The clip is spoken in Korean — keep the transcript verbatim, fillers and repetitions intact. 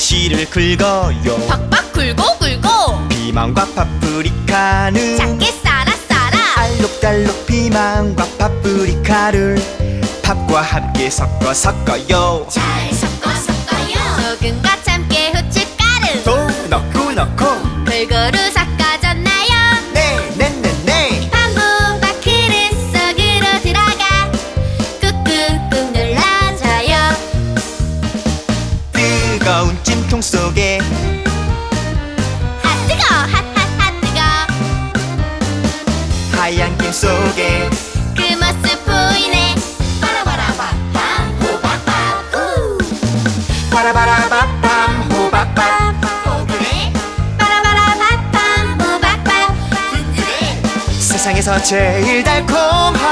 다시를 긁어요. 팍팍 굴고 굴고 피망과 파프리카는 작게 썰어 썰어 알록달록 피망과 파프리카를 밥과 함께 섞어 섞어요. 잘 섞어 섞어요. 소금과 참깨 후춧가루 또 넣고 넣고 골고루 섞어줬나요? 네네네네. 반분밥 그릇 속으로 들어가 꾹꾹꾹 눌러줘요. 뜨거운 찜통 속에 아 뜨거 핫핫핫 뜨거 하얀 김 속에 그 모습 보이네. 바라바라밤밤 호박밥 우 바라바라밥밤 호박밥 포근해 바라바라밤밤 호박밥 든든해 세상에서 제일 달콤한